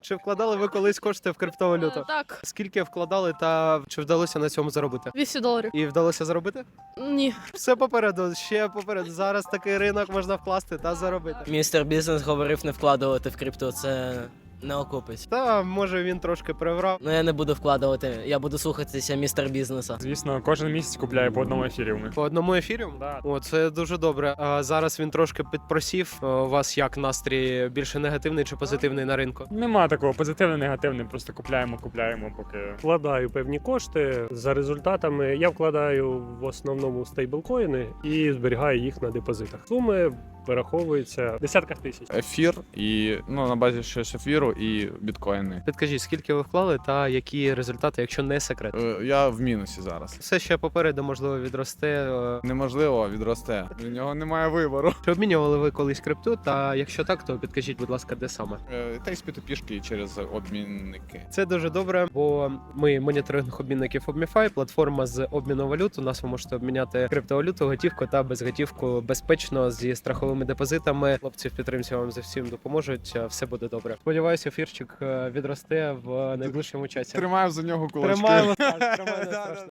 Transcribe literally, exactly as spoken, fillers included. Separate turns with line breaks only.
Чи вкладали ви колись кошти в криптовалюту?
Е, Так,
Скільки вкладали та чи вдалося на цьому заробити?
двісті доларів.
І вдалося заробити?
Ні.
Все попереду, ще попереду. Зараз такий ринок можна вкласти та заробити.
Містер Бізнес говорив не вкладувати в крипту, це не окупить.
Та може він трошки приврав.
Ну я не буду вкладувати, я буду слухатися містер бізнеса.
Звісно, кожен місяць купляє по одному ефіріуму.
По одному ефірі?
Да.
О, це дуже добре. А зараз він трошки підпросів. Е, У вас як настрій більше негативний чи позитивний на ринку?
Нема такого позитивне, негативне, просто купляємо, купляємо, поки.
Вкладаю певні кошти. За результатами я вкладаю в основному стейблкоїни і зберігаю їх на депозитах. Суми вираховуються в десятках тисяч.
Ефір і ну на базі ще ж ефіру і біткоїни.
Підкажіть, скільки ви вклали та які результати, якщо не секрет?
Е, Я в мінусі зараз.
Все ще попереду, можливо, відросте. е.
Неможливо відросте. У нього немає вибору.
Чи обмінювали ви колись крипту? Та якщо так, то підкажіть, будь ласка, де саме?
Е, Та й з пішки через обмінники.
Це дуже добре, бо ми моніторинг обмінників ObmiFi, платформа з обміну валют. У нас ви можете обміняти криптовалюту, готівку та безготівку безпечно зі страховими депозитами. Хлопці в підтримці вам за всім допоможуть. Все буде добре. Сподіваюся, ефірчик е, відросте в найближчому часі.
Тримаю за нього кулачки.
Тримаємо, тримаємо.